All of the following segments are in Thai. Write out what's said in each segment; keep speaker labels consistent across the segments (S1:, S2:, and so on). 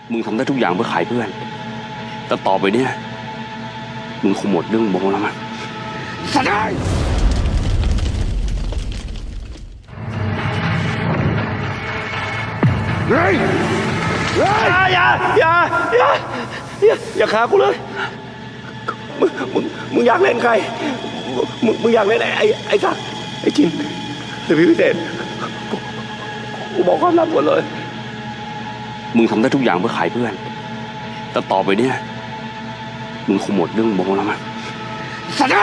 S1: มึงทำได้ทุกอย่างเพื่อขายเพื่อน แต่ต่อไปเนี่ยมึงคงหมดเรื่องโบแล้วมั้งสัตว์เฮ้ยอย่าฆ่ากูเลยมึงอยากเล่นใครมึงอยากเล่นไอ้สักไอ้จินหรือพี่พิเศษกูบอกความลับหมดเลยมึงทำได้ทุกอย่างเพื่อขายเพื่อนแต่ต่อไปเนี่ยมึงคงหมดเรื่องโบแล้วมั้งสัตว์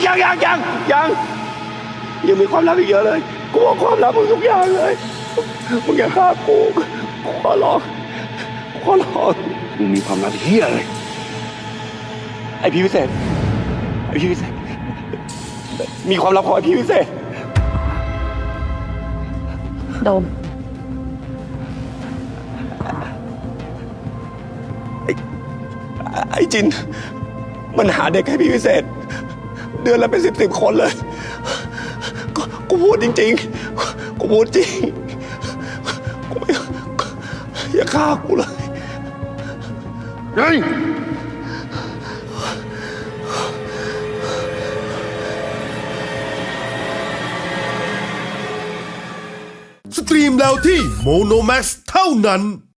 S1: ยังมีความลับอีกเยอะเลยกูบอกความลับมึงทุกอย่างเลยมึงอย่าฆ่ากูขอร้องมึงมีความลับเฮี้ยเลยไอพี่พิเศษมีความลับของไอพี่พิเศษ
S2: โดม
S1: ไอ้จินมันหาเด็กให้พี่พิเศษเดือนละเป็นสิบคนเลยกูพูดจริงๆกูพูดจริงกูไม่อย่าฆ่ากูเลยเฮ้ย
S3: สตรีมแล้วที่โมโนแม x เท่านั้น